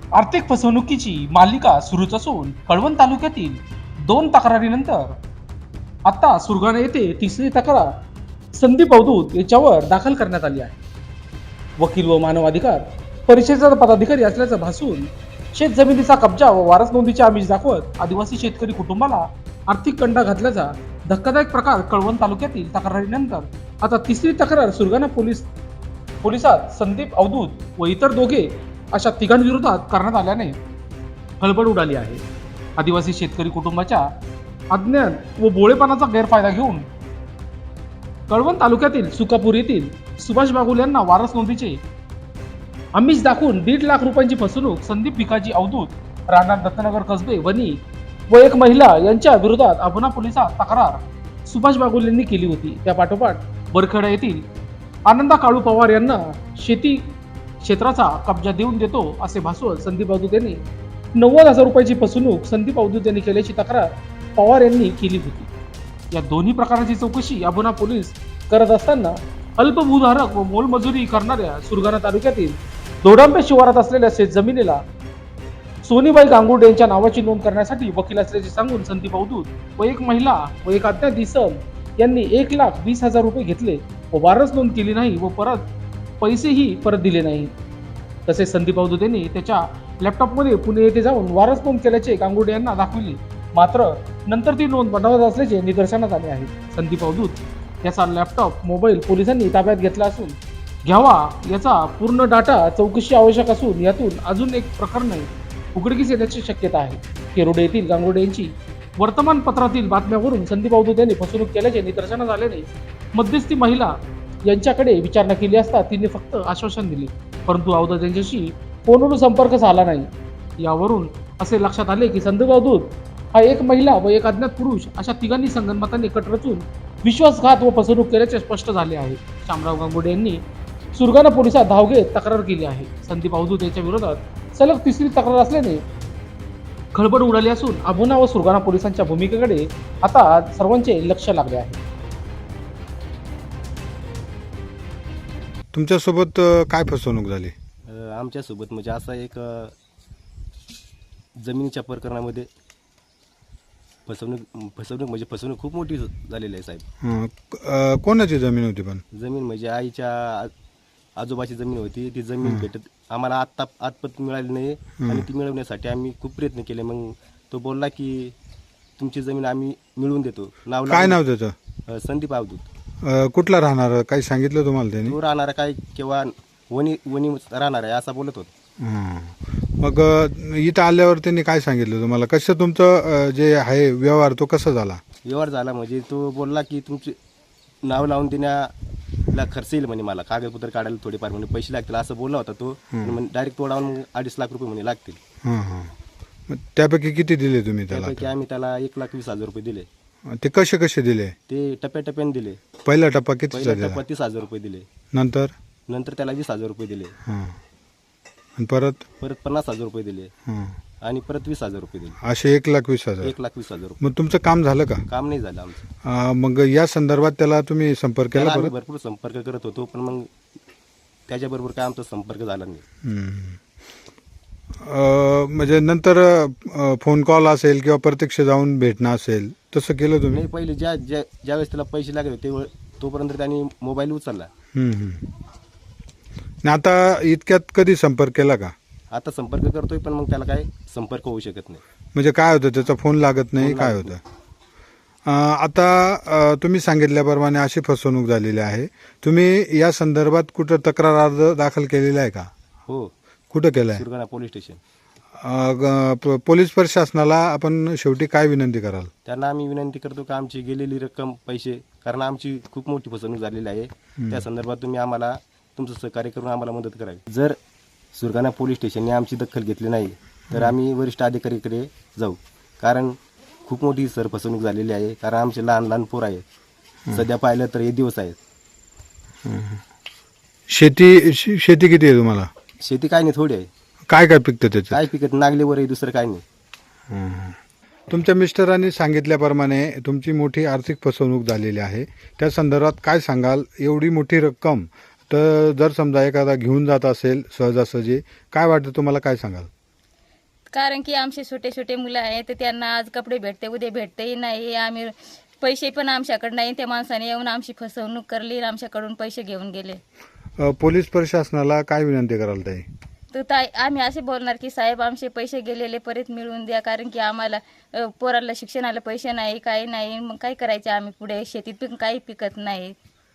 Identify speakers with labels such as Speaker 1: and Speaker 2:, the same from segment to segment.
Speaker 1: आर्थिक फसवणुकीची मालिका सुरूच असून कळवण तालुक्यातील 2 तक्रारीनंतर आता सुरगाणा येथे तिसरी तक्रार संदीप अवधूत याच्यावर दाखल करण्यात आली आहे. वकील व मानव अधिकार परिषदेचा पदाधिकारी असल्याचं भासून शेत जमिनीचा कब्जा व वारस नोंदीचे आमिष दाखवत आदिवासी शेतकरी कुटुंबाला आर्थिक कंडा घातल्याचा धक्कादायक प्रकार कळवण तालुक्यातील तक्रारीनंतर आता तिसरी तक्रार सुरगाणा पोलिसात संदीप अवधूत व इतर दोघे अशा तिघांविरोधात करण्यात आल्याने खळबळ उडाली आहे. आदिवासी शेतकरी कुटुंबाच्या अज्ञान व भोळेपणाचा गैरफायदा घेऊन कळवण तालुक्यातील सुकापूर येथील सुभाष बागुल यांना वारस नोंदीचे आमिष दाखवून 1.5 लाख रुपयांची फसवणूक संदीप भिकाजी अवधूत राहणार दत्तनगर कसबे वनी व एक महिला यांच्या विरोधात अभोना पोलिसात तक्रार सुभाष बागुल यांनी केली होती. त्या पाठोपाठ बरखेडा येथील आनंदा काळू पवार यांना शेती क्षेत्राचा कब्जा देऊन देतो असे भासवत संदीप अवधूत यांनी 90,000 रुपयाची फसवणूक संदीप अवधूत यांनी केल्याची तक्रार पवार यांनी केली होती. या दोन्ही प्रकाराची चौकशी अभोना पोलीस करत असताना अल्पभूधारक व मोलमजुरी करणाऱ्या सुरगाणा तालुक्यातील दोडांबे शिवारात असलेल्या शेतजमिनीला सोनीबाई गांगुर्डे यांच्या नावाची नोंद करण्यासाठी वकील असल्याचे सांगून संदीप अवधूत व एक महिला व एक अज्ञात इसम यांनी 1,20,000 रुपये घेतले व वारस नोंद केली नाही व पैसेही परत दिले नाही. तसेच संदीप अवधूत यांनी त्याच्या लॅपटॉपमध्ये पुणे येथे जाऊन वारस नोंद केल्याचे गांगुर्डे यांना दाखविले, मात्र नंतर ती नोंद बनवत असल्याचे निदर्शनास आले आहे. संदीप अवधूत याचा लॅपटॉप मोबाईल पोलिसांनी ताब्यात घेतला असून घ्यावा याचा पूर्ण डाटा चौकशी आवश्यक असून यातून अजून एक प्रकरण उघडकीस येण्याची शक्यता आहे. केरोडे येथील गांगुर्डे यांची वर्तमानपत्रातील बातम्यावरून संदीप अवधूत यांनी फसवणूक केल्याचे निदर्शनास आल्याने मध्यस्थी महिला यांच्याकडे विचारणा केली असता तिने फक्त आश्वासन दिले, परंतु अवधूत यांच्याशी फोनवरून संपर्क झाला नाही. यावरून असे लक्षात आले की संदीप अवधूत हा एक महिला व एक अज्ञात पुरुष अशा तिघांनी संगनमताने कट रचून विश्वासघात व फसवणूक केल्याचे स्पष्ट झाले आहे. शामराव गांगुर्डे यांनी सुरगाणा पोलिसात धाव घेत तक्रार केली आहे. संदीप अवधूत यांच्या विरोधात सलग तिसरी तक्रार असल्याने खळबळ उडाली असून अभोना व सुरगाणा पोलिसांच्या भूमिकेकडे आता सर्वांचे लक्ष लागले आहे.
Speaker 2: तुमच्यासोबत काय फसवणूक झाली?
Speaker 3: आमच्यासोबत म्हणजे असा एक जमिनीच्या प्रकरणामध्ये फसवणूक म्हणजे फसवणूक खूप मोठी झालेली आहे साहेब.
Speaker 2: कोणाची जमीन होती? पण
Speaker 3: जमीन म्हणजे आईच्या आजोबाची जमीन होती. ती जमीन भेटत आम्हाला आतपत मिळाली नाही आणि ती मिळवण्यासाठी आम्ही खूप प्रयत्न केले. मग तो बोलला की तुमची जमीन आम्ही मिळवून देतो.
Speaker 2: काय नाव त्याचं?
Speaker 3: संदीप अवधूत.
Speaker 2: कुठला राहणार काही सांगितलं तुम्हाला त्याने?
Speaker 3: तो राहणार काय किंवा वनी राहणार आहे असं बोलत होत.
Speaker 2: मग इथं आल्यावर त्यांनी काय सांगितलं तुम्हाला? कसं तुमचं जे आहे व्यवहार तो कसा झाला?
Speaker 3: व्यवहार झाला म्हणजे तो बोलला की तुमचे नाव लावून देण्याला खर्च येईल म्हणे, मला कागदपत्र काढायला थोडेफार म्हणे पैसे लागतील असं बोलला होता तो. डायरेक्ट तोडावून 2.5 लाख रुपये म्हणे लागतील.
Speaker 2: मग त्यापैकी किती दिले तुम्ही त्याला?
Speaker 3: त्यापैकी आम्ही त्याला 1,20,000 रुपये दिले.
Speaker 2: ते कसे कसे दिले?
Speaker 3: ते टप्प्याटप्प्याने दिले.
Speaker 2: पहिला टप्पा किती?
Speaker 3: पहिला टप्पा 30,000 रुपये दिले.
Speaker 2: नंतर
Speaker 3: त्याला 20,000 रुपये दिले.
Speaker 2: आणि परत
Speaker 3: 50,000 रुपये दिले आणि परत 20,000 रुपये दिले.
Speaker 2: असे 1,20,000.
Speaker 3: 1,20,000 रुपये.
Speaker 2: मग तुमचं काम झालं का?
Speaker 3: काम नाही झालं आमचं.
Speaker 2: मग या संदर्भात त्याला तुम्ही संपर्क केला?
Speaker 3: आम्ही भरपूर संपर्क करत होतो पण मग त्याच्याबरोबर काय आमचा संपर्क झाला नाही.
Speaker 2: म्हणजे नंतर फोन कॉल असेल किंवा प्रत्यक्ष जाऊन भेटणं असेल तसं केलं तुम्ही?
Speaker 3: नाही, पहिले ज्यावेळेस त्याला पैसे लागले तोपर्यंत त्यांनी मोबाईल उचलला.
Speaker 2: आता इतक्यात कधी संपर्क केला का?
Speaker 3: आता संपर्क करतोय पण मग त्याला काय संपर्क होऊ शकत नाही.
Speaker 2: म्हणजे काय होतं त्याचा फोन लागत नाही? काय होतं? आता तुम्ही सांगितल्याप्रमाणे अशी फसवणूक झालेली आहे. तुम्ही या संदर्भात कुठं तक्रार अर्ज दाखल केलेला आहे का?
Speaker 3: हो.
Speaker 2: कुठं केलं आहे?
Speaker 3: Surgana police station.
Speaker 2: पोलीस प्रशासनाला आपण शेवटी काय विनंती कराल?
Speaker 3: त्यांना आम्ही विनंती करतो की आमची गेलेली रक्कम पैसे, कारण आमची खूप मोठी फसवणूक झालेली आहे, त्या संदर्भात तुम्ही आम्हाला तुमचं सहकार्य करून आम्हाला मदत करावी. जर सुरगाणा पोलीस स्टेशनने आमची दखल घेतली नाही तर आम्ही वरिष्ठ अधिकारीकडे जाऊ, कारण खूप मोठी फसवणूक झालेली आहे. कारण आमचे लहान लहान पोर आहेत. सध्या पाहिलं तर हे दिवस आहेत.
Speaker 2: शेती किती आहे तुम्हाला?
Speaker 3: शेती काय नाही, थोडी आहे.
Speaker 2: काय काय पिकतं त्याचं?
Speaker 3: काय पिकत नागलीवर आहे, दुसरं काय नाही.
Speaker 2: तुमच्या मिस्टरांनी सांगितल्याप्रमाणे तुमची मोठी आर्थिक फसवणूक झालेली आहे. त्या संदर्भात काय सांगाल? एवढी मोठी रक्कम तर जर समजा एखादा घेऊन जात असेल सहजासहजी, काय वाटतं तुम्हाला? काय सांगाल?
Speaker 4: कारण की आमचे छोटे छोटे मुलं आहेत तर त्यांना आज कपडे भेटते उद्या भेटतेही नाही. आम्ही पैसे पण आमच्याकडे नाही. त्या माणसाने येऊन आमची फसवणूक करली आणि आमच्याकडून पैसे घेऊन गेले.
Speaker 2: पोलीस प्रशासनाला काय विनंती कराल ताई?
Speaker 4: तर आम्ही असे बोलणार की साहेब आमचे पैसे गेलेले परत मिळवून द्या, कारण की आम्हाला पोराला शिक्षणाला पैसे नाही, काही नाही. मग काय करायचे आम्ही पुढे? शेतीत पण काही पिकत नाही.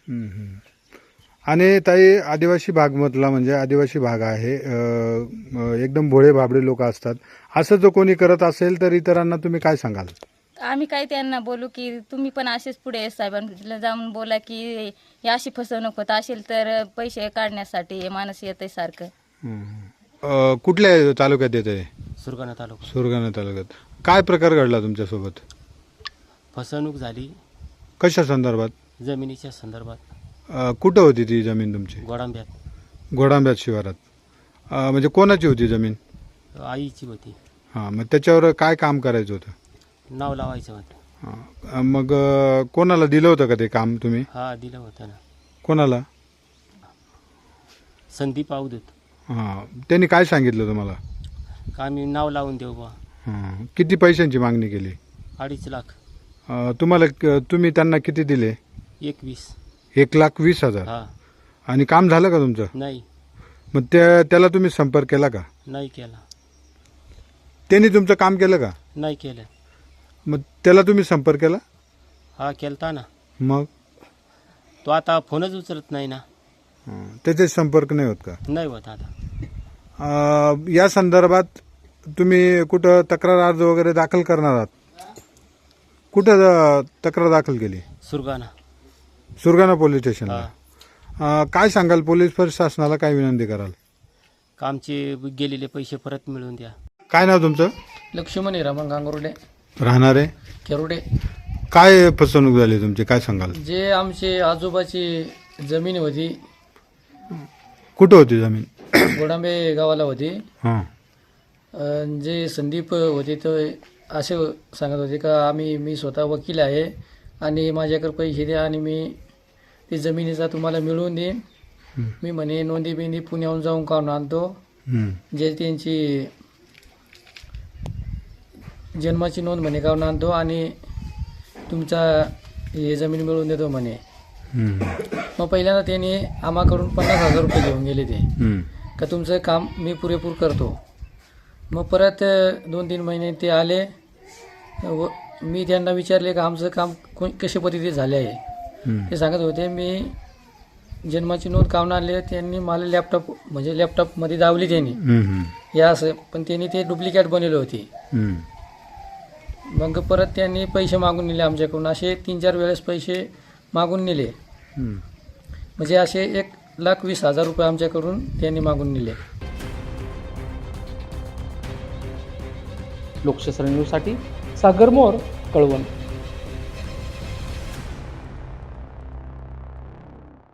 Speaker 2: आणि ताई, आदिवासी भागमधला म्हणजे आदिवासी भाग आहे, एकदम भोळे भाबडे लोक असतात. असं जो कोणी करत असेल तर इतरांना तुम्ही काय सांगाल?
Speaker 4: आम्ही काय त्यांना बोलू की तुम्ही पण असेच पुढे साहेबांना जाऊन बोला की ही अशी फसवणूक होत असेल तर पैसे काढण्यासाठी हे माणूस येते सारखं.
Speaker 2: कुठल्या तालुक्यात येत आहे?
Speaker 3: सुरगाणा तालुका.
Speaker 2: सुरगाणा तालुक्यात. काय प्रकार घडला तुमच्यासोबत?
Speaker 3: फसवणूक झाली
Speaker 2: कशा संदर्भात?
Speaker 3: जमिनीच्या संदर्भात.
Speaker 2: कुठं होती ती जमीन तुमची?
Speaker 3: गोडांब्यात.
Speaker 2: घोडांब्यात शिवारात. म्हणजे कोणाची होती जमीन?
Speaker 3: आईची होती.
Speaker 2: हां, मग त्याच्यावर काय काम करायचं होतं?
Speaker 3: नाव लावायचं होतं.
Speaker 2: हां, मग कोणाला दिलं होतं का ते काम तुम्ही?
Speaker 3: हा, दिलं होतं ना.
Speaker 2: कोणाला?
Speaker 3: संदीप अवधूत.
Speaker 2: हां, त्यांनी काय सांगितलं तुम्हाला?
Speaker 3: का आम्ही नाव लावून देऊ बा.
Speaker 2: हां, किती पैशांची मागणी केली?
Speaker 3: 2.5 लाख.
Speaker 2: तुम्ही त्यांना किती दिले?
Speaker 3: 21.
Speaker 2: 1,20,000.
Speaker 3: हा.
Speaker 2: आणि काम झालं का तुमचं?
Speaker 3: नाही.
Speaker 2: मग त्याला तुम्ही संपर्क केला का?
Speaker 3: नाही केला.
Speaker 2: त्यांनी तुमचं काम केलं का?
Speaker 3: नाही केलं.
Speaker 2: मग त्याला तुम्ही संपर्क केला?
Speaker 3: हा, केलता ना.
Speaker 2: मग
Speaker 3: तो आता फोनच उचलत नाही ना.
Speaker 2: त्याचे संपर्क नाही होत का?
Speaker 3: नाही होत आता.
Speaker 2: या संदर्भात तुम्ही कुठं तक्रार अर्ज वगैरे दाखल करणार आहात? कुठं तक्रार दाखल केली? सुरगाणा पोलीस स्टेशनला. काय सांगाल? पोलीस प्रशासनाला काय विनंती कराल?
Speaker 3: कामचे गेलेले पैसे परत मिळवून द्या.
Speaker 2: काय नाव तुमचं?
Speaker 5: लक्ष्मण हिरामन गांगुर्डे,
Speaker 2: राहणारे
Speaker 5: केरुडे.
Speaker 2: काय फसवणूक झाली तुमची, काय सांगाल?
Speaker 5: जे आमचे आजोबाची जमीन होती,
Speaker 2: कुठं होती जमीन?
Speaker 5: गोडांबे गावाला होती.
Speaker 2: हां.
Speaker 5: जे संदीप होते ते असे सांगत होते का मी स्वतः वकील आहे आणि माझ्याकडे पैसे द्या आणि मी ती जमिनीचा तुम्हाला मिळवून देईन. मी म्हणे नोंदी बिंदी पुण्याहून जाऊन काढून आणतो. जे त्यांची जन्माची नोंद म्हणे काढून आणतो आणि तुमचा हे जमीन मिळवून देतो म्हणे. मग पहिल्यांदा त्यांनी आम्हाकडून 50,000 रुपये घेऊन गेले ते, का तुमचं काम मी पुरेपूर करतो. मग परत 2-3 महिने ते आले व मी त्यांना विचारले का आमचं काम कशा पद्धतीने झाले आहे. ते सांगत होते मी जन्माची नोंद काढून आणले. त्यांनी मला लॅपटॉपमध्ये दावली त्यांनी या असं, पण त्यांनी ते डुप्लिकेट बनवले होते. मग परत त्यांनी पैसे मागून नेले आमच्याकडून. असे 3-4 वेळेस पैसे मागून नेले. म्हणजे असे 1,20,000 रुपये आमच्याकडून त्यांनी मागून नेले.
Speaker 1: लोकशास्त्र न्यूजसाठी सागर मोर, कळवण.